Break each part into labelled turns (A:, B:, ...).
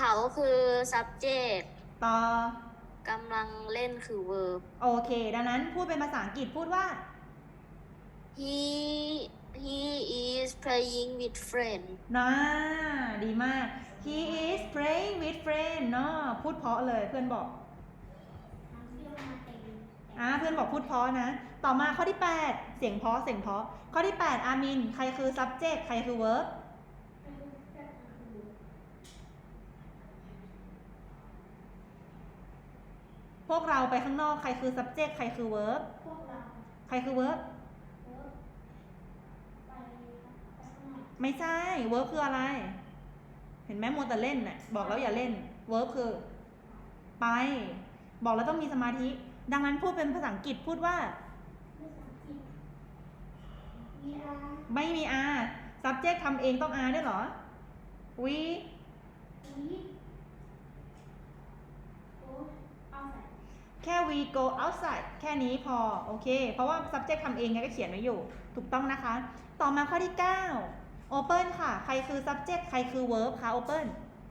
A: เขาคือ subject
B: ต่อก
A: ำลังเล่นคือ verb
B: โอเคดังนั้นพูดเป็นภาษาอังกฤษพูดว่า
A: he is playing with friend
B: น่าดีมาก he is playing with friend เนาะพูดเพราะเลยเพื่อนบอกเพื่อนบอกพูดเพราะนะต่อมาข้อที่8เสียงเพราะข้อที่8อามินใครคือ subject ใครคือ verb พวกเราไปข้างนอกใครคือ subject ใครคือ verb
C: พวกเรา
B: ใครคือ verb
C: ไปข้างนอก
B: ไม่ใช่ verb คืออะไรเห็นไหมมัวแต่เล่นน่ะบอกแล้วอย่าเล่น verb คือไปบอกแล้วต้องมีสมาธิดังนั้นพูดเป็นภาษาอังกฤษพูดว่า
C: ภาษาอังกฤษมีอา
B: ไม่มี r subject ทำเองต้อง r ด้วยเหรอ we
C: วีโอ้เอาใส่
B: แค่ we go outside แค่นี้พอโอเคเพราะว่า subject ทำเองไงก็เขียนไว้อยู่ถูกต้องนะคะต่อมาข้อที่9 open ค่ะใครคือ subject ใครคือ verb คะ open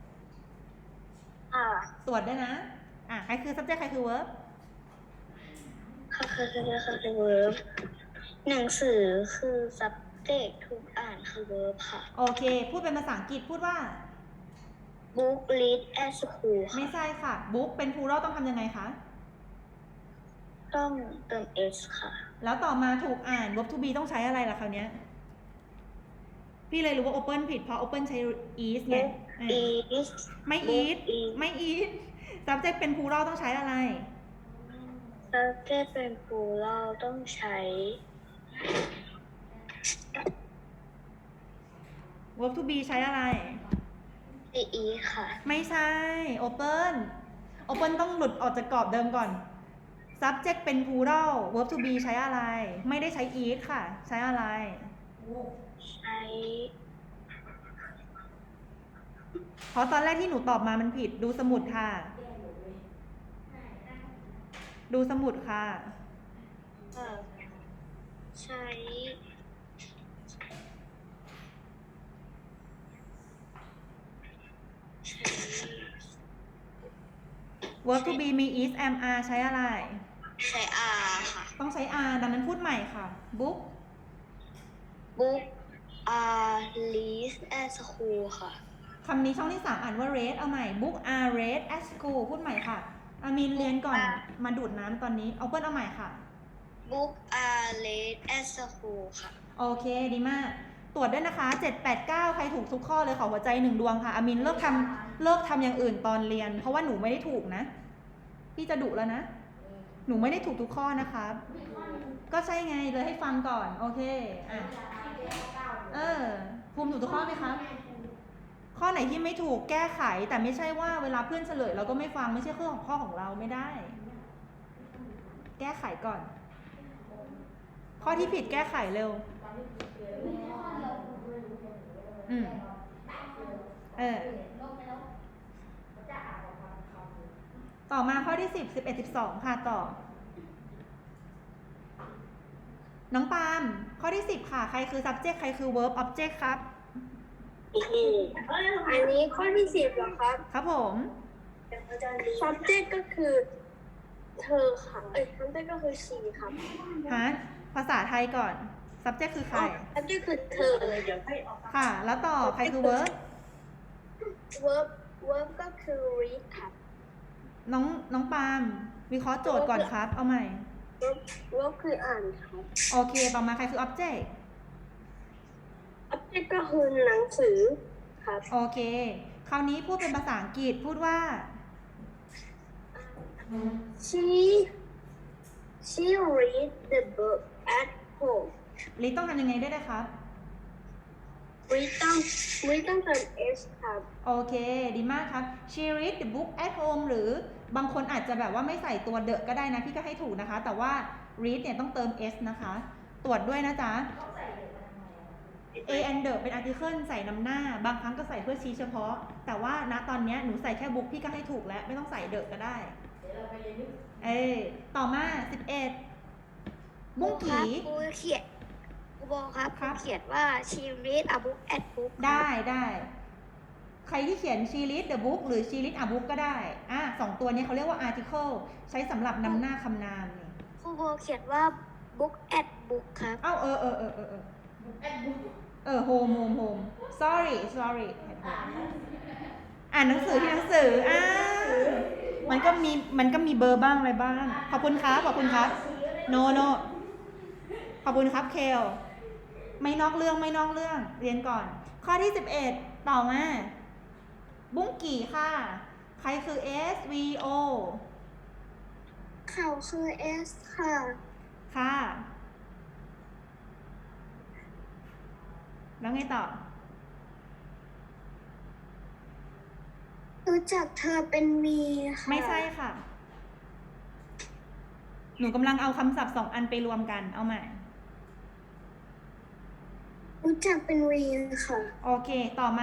B: ตรวจด้วยนะใครคือ subject ใครคือ verb
A: ค่ะคือ verb หนังสือคือ subject ทุกอ่านคือ verb ค่ะ
B: โอเคพูดเป็นภาษาอังกฤษพูดว่า
A: book read at school
B: ไม่
A: ค่ะ
B: ใช่ค่ะ book เป็น plural ต้องทำยังไงคะ
A: ต้องเติม s ค่ะ
B: แล้วต่อมาถูกอ่าน verb to be ต้องใช้อะไรล่ะคราวเนี้ยพี่เลยรู้ว่า open ผิดเพราะ open ใช้ is ไง
A: is
B: ไม่ is ไม่ is subject เป็น plural ต้องใช้อะไร
A: subject เป็น plural ต้องใช้
B: verb to be ใช้อะไร
A: e ค่ะ
B: ไม่ใช่ openต้องหลุดออกจากกรอบเดิมก่อน subject เป็น plural verb to be ใช้อะไร ไม่ได้ใช้ is ค่ะ ใช้อะไร
A: ใช้
B: เพราะตอนแรกที่หนูตอบมามันผิดดูสมุดค่ะ ดูสมุดค่ะ
A: ใช้
B: verb to be มี is am are ใช้อะไร
A: ใช้ r ค่ะ
B: ต้องใช้ are ดังนั้นพูดใหม่ค่ะ book
A: book are read at school ค่ะ
B: คำนี้ช่องที่ 3 อ่านว่า read เอาใหม่ book are read at school พูดใหม่ค่ะอามินเรียนก่อนมาดูดน้ำตอนนี้เอาเปิ้ลเอาใหม่ค่ะ
A: book are read at school ค่ะ
B: โอเคดีมาก ตรวจด้วยนะคะ 7 8 9 ใครถูกทุกข้อเลยขอหัวใจ1 ดวงค่ะอามินเลิกทำอย่างอื่นตอนเรียน เพราะว่าหนูไม่ได้ถูกนะ พี่จะดุแล้วนะ หนูไม่ได้ถูกทุกข้อนะคะก็ใช่ไงเลยให้ฟังก่อนโอเคภูมิถูกทุกข้อไหมคะข้อไหนที่ไม่ถูกแก้ไขแต่ไม่ใช่ว่าเวลาเพื่อนเฉลยเราก็ไม่ฟังไม่ใช่ข้อของเราไม่ได้ แก้ไขก่อน ข้อที่ผิดแก้ไขเร็วต่อมาข้อที่10 11 12ค่ะต่อน้องปาล์มข้อที่10ค่ะใครคือ subject ใครคือ verb object ครับ
A: อันนี้ข้อที่10เหรอครับ
B: ครับผม
A: subject ก็คือเธอค่ะsubject ก็คือ she ครับ
B: ภาษาไทยก่อน subject คือใคร
A: subject คือเธอ
B: ค่ะแล้วต่อใครคือ verb
A: verb ก็คือ read ครับ
B: น้องปาล์มวิเคราะห์โจทย์ก่อนครับเอาใหม่
A: verb คืออ่านครับ
B: โอเคต่อมาใครคือ object
A: object ก็คือหนังสือครับ
B: โอเคคราวนี้พูดเป็นภาษาอังกฤษพูดว่า
A: she read the book at home
B: ลิต้องทำยังไงได้ครับ
A: read ต้องเติม s ครับ
B: โอเคดีมากครับ she read the book at home หรือบางคนอาจจะแบบว่าไม่ใส่ตัว the ก็ได้นะพี่ก็ให้ถูกนะคะแต่ว่า read เนี่ยต้องเติม s นะคะตรวจด้วยนะจ๊ะ a and the เป็น article ใส่นำหน้าบางครั้งก็ใส่เพื่อชี้เฉพาะแต่ว่าณตอนนี้หนูใส่แค่ book พี่ก็ให้ถูกแล้วไม่ต้องใส่ the ก็ได้ต่อมา11บุ้งกี
A: ครูเขียนครูบอกครับครูเขียนว่า she read a book at book
B: ได้ใครรที่เขียน she read the book หรือ she read a book ก็ได้สองตัวนี้เขาเรียกว่า article ใช้สำหรับนำหน้าคำนามนี่
A: ครูโบเขียนว่า book at book ครับ
B: home sorry อ่านหนังสือที่หนังสือมันก็มีเบอร์บ้างอะไรบ้าง ขอบคุณครับ no ขอบคุณครับเคลไม่นอกเรื่องเรียนก่อน ข้อที่ 11 ต่อมาบุ้งกี่ค่ะ ใครคือ S V O
A: เขาคือ S ค่ะ
B: ค่ะ แล้วไงต่อ
A: รู้จักเธอเป็น V ค่ะ
B: ไม่ใช่ค่ะ หนูกำลังเอาคำศัพท์2 อันไปรวมกัน เอาใหม่
A: รู้จักเป็น V ค่ะ
B: โอเค ต่อมา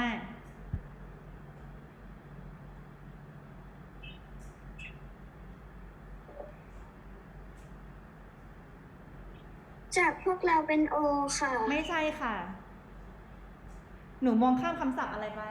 A: จากพวกเราเป็น O ค่ะ
B: ไม่ใช่ค่ะ หนูมองข้ามคำศัพท์อะไรไป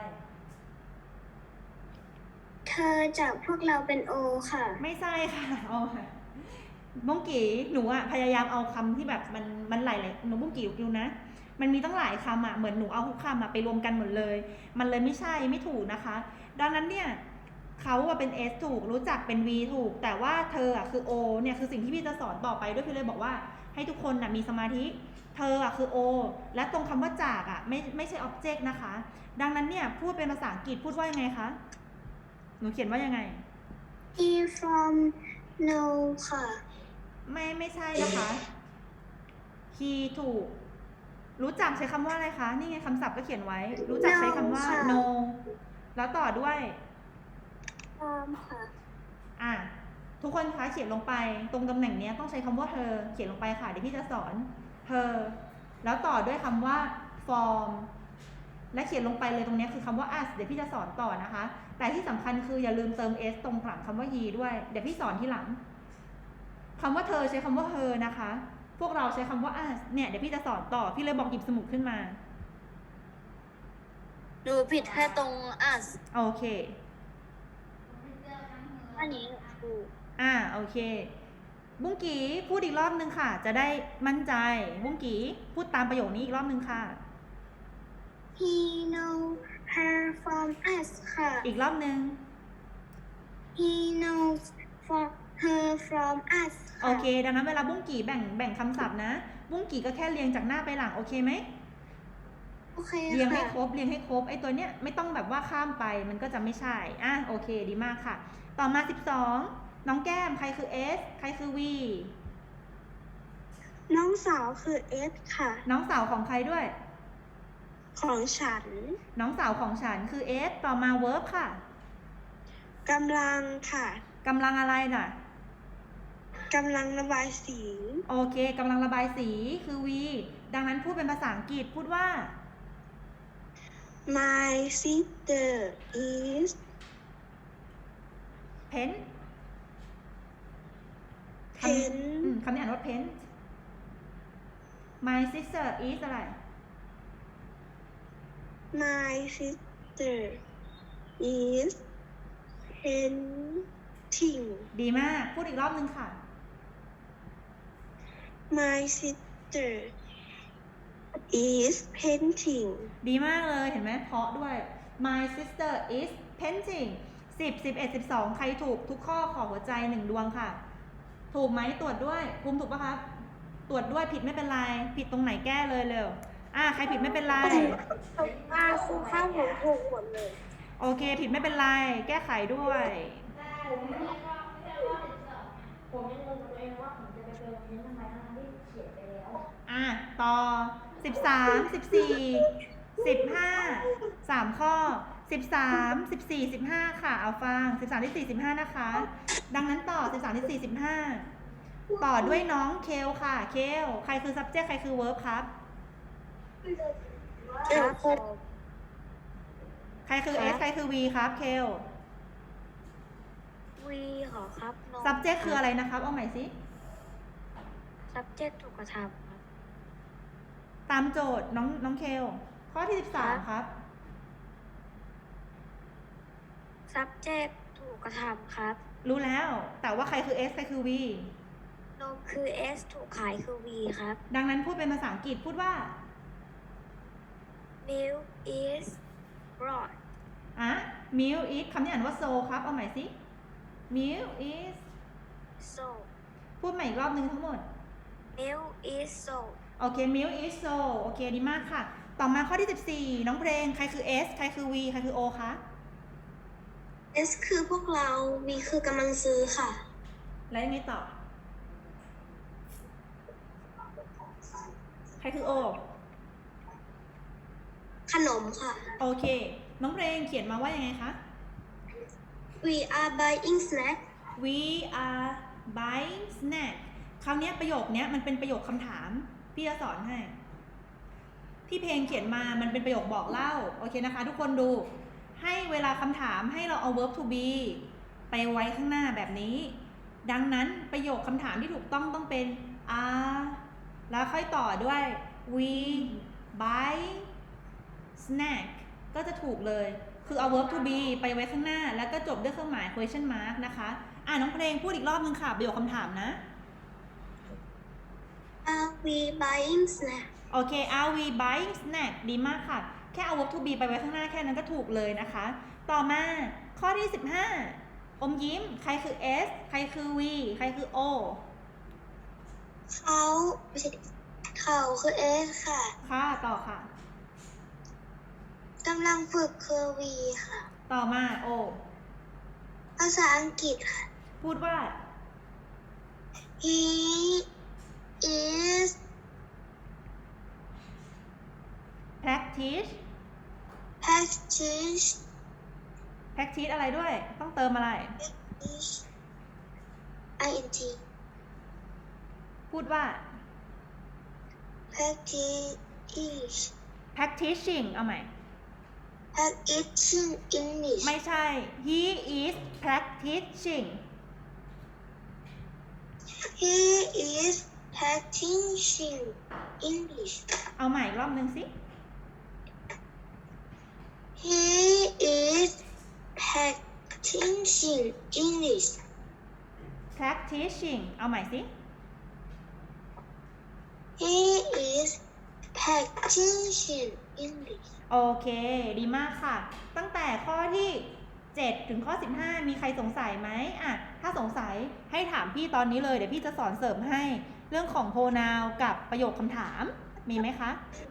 A: เธอจากพวกเราเป็น O ค่ะ
B: ไม่ใช่ค่ะเอาค่ะบุ้งกี่หนูพยายามเอาคำที่แบบมันหลายๆหนูบุ้งกี่ดูนะ มันมีตั้งหลายคำเหมือนหนูเอาทุกคำไปรวมกันหมดเลย มันเลยไม่ใช่ไม่ถูกนะคะ ดังนั้นเนี่ยเขาเป็น S ถูกรู้จักเป็น V ถูก แต่ว่าเธอคือ O เนี่ยคือสิ่งที่พี่จะสอนต่อไปด้วยพี่เลยบอกว่าให้ทุกคนมีสมาธิ เธอคือ O และตรงคำว่าจากไม่ใช่ object นะคะ ดังนั้นเนี่ยพูดเป็นภาษาอังกฤษพูดว่ายังไงคะหนูเขียนว่ายังไง
A: He from no ค่ะ
B: ไม่ใช่นะคะ he ถูก รู้จักใช้คำว่าอะไรคะ นี่ไงคำศัพท์ก็เขียนไว้ รู้จักใช้คำว่า
A: ค่ะ
B: no แล้วต่อด้วย
A: from ค่ะ
B: ทุกคนคะเขียนลงไปตรงตำแหน่งนี้ต้องใช้คำว่าเธอเขียนลงไปค่ะเดี๋ยวพี่จะสอนเธอแล้วต่อด้วยคำว่า form และเขียนลงไปเลยตรงนี้คือคำว่า us เดี๋ยวพี่จะสอนต่อนะคะ แต่ที่สำคัญคืออย่าลืมเติม s ตรงหลังคำว่า he ด้วยเดี๋ยวพี่สอนที่หลังคำว่าเธอใช้คำว่า her นะคะ พวกเราใช้คำว่า us เนี่ยเดี๋ยวพี่จะสอนต่อพี่เลยบอกหยิบสมุดขึ้นมา
A: ดูผิดแค่ตรง us
B: โอเค
A: อันนี้ถูก
B: โอเคบุ้งกีพูดอีกรอบนึงค่ะจะได้มั่นใจบุ้งกีพูดตามประโยคนี้อีกรอบนึงค่ะ
A: He know her from us ค่ะ
B: อีกรอบนึง
A: He knows her from us ค่ะ
B: โอเคดังนั้นเวลาบุ้งกีแบ่งคำศัพท์นะบุ้งกีก็แค่เรียงจากหน้าไปหลังโอเคไหม
A: โอเค
B: เรียงให้
A: ค่ะ
B: ครบไอ้ตัวเนี้ยไม่ต้องแบบว่าข้ามไปมันก็จะไม่ใช่โอเคดีมากค่ะต่อมา12น้องแก้มใครคือ S ใครคือ V
A: น้องสาวคือ S ค่ะ
B: น้องสาวของใครด้วย
A: ของฉัน
B: น้องสาวของฉันคือ S ต่อมา verb ค่ะ
A: กำลังค่ะ
B: กำลังอะไรน่ะ
A: กำลังระบายสี
B: โอเคกำลังระบายสีคือ V ดังนั้นพูดเป็นภาษาอังกฤษพูดว่า
A: My sister is
B: pen คำนี้อ่านว่า pen My sister is อะไร
A: My sister is painting
B: ดีมากพูดอีกรอบนึงค่ะ
A: My sister is painting
B: ดีมากเลยเห็นไหมเพราะด้วย My sister is painting 10 11 12 ใครถูกทุกข้อขอหัวใจ1ดวงค่ะ ถูกไหมตรวจด้วยภูมิถูกปะครับตรวจด้วยผิดไม่เป็นไรผิดตรงไหนแก้เลยเร็วใครผิดไม่เป็นไร
A: ครูข้าวผมถูกหมดเลย
B: โอเคผิดไม่เป็นไรแก้ไขด้วย
C: ผมยังงงกับตัวเองว่าผมจะไปเติมนี้ทำไมทั้งที่เขียนไปแล้ว
B: ต่อ13 14 15 3ข้อ13 14 15ค่ะเอาฟัง13 14 15นะคะดังนั้นต่อ13 14 15ต่อด้วยน้องเคลค่ะเคลใครคือ subject ใครคือ verb ครับใครคือ S ใครคือ V ครับเคล
A: วีหรอครับ
B: subject คืออะไรนะครับเอาใหม่สิ
A: subject ถูกกระทำครับ
B: ตามโจทย์น้องเคลข้อที่13ครับ
A: subject ถูกกระทำครับ
B: รู้แล้ว แต่ว่าใครคือ S ใครคือ V
A: นมคือ S ถูกขายคือ V ครับ
B: ดังนั้นพูดเป็นภาษาอังกฤษพูดว่า
A: milk is brought
B: milk is คำนี้อ่านว่า so ครับ เอาใหม่สิ milk is
A: so
B: พูดใหม่อีกรอบนึงทั้งหมด
A: milk is so
B: โอเค milk is so โอเค ดีมากค่ะ ต่อมาข้อที่ 14 น้องเพลง ใครคือ S ใครคือ V ใครคือ O คะ
A: S คือพวกเรา V คือกำลังซื้อค่ะ
B: แล้วยังไงต่อ ใครคือ O
A: ขนมค่ะ
B: โอเค น้องเพลงเขียนมาว่ายังไงคะ
A: We are buying snack
B: We are buying snack คราวนี้ประโยคนี้มันเป็นประโยคคำถาม พี่จะสอนให้ พี่เพลงเขียนมามันเป็นประโยคบอกเล่า โอเคนะคะ ทุกคนดู ให้เวลาคำถามให้เราเอา verb to be ไปไว้ข้างหน้าแบบนี้ ดังนั้นประโยคคำถามที่ถูกต้องเป็น are แล้วค่อยต่อด้วย we buy snack ก็จะถูกเลย คือเอา verb to be ไปไว้ข้างหน้า แล้วก็จบด้วยเครื่องหมาย question mark นะคะน้องเพลงพูดอีกรอบนึงค่ะประโยคคำถามนะ
A: Are we buying snack
B: โอเค are we buying snack ดีมากค่ะ แค่เอา verb to be ไปไว้ข้างหน้าแค่นั้นก็ถูกเลยนะคะ ต่อมาข้อที่ 15 อมยิ้ม ใครคือ S ใครคือ V ใครคือ O
A: เขาไม่ใช่เขาคือ S ค่ะ
B: ค่ะต่อค่ะ
A: กำลังฝึกคือ V ค่ะ
B: ต่อมา O
A: ภาษาอังกฤษค่ะ
B: พูดว่า
A: He is
B: practice
A: practice
B: practice อะไรด้วย ต้องเติมอะไร
A: ing
B: พูดว่า
A: practice
B: practicing เอาใหม่
A: practicing English
B: ไม่ใช่ he is practicing
A: He is practicing English
B: เอาใหม่อีกรอบนึงสิ
A: He is practicing English
B: practicing เอาใหม่สิ
A: He is practicing English
B: โอเค ดีมากค่ะ ตั้งแต่ข้อที่ 7 ถึงข้อ 15 มีใครสงสัยไหมถ้าสงสัยให้ถามพี่ตอนนี้เลย เดี๋ยวพี่จะสอนเสริมให้เรื่องของ pronoun กับประโยคคำถาม มีไหมคะ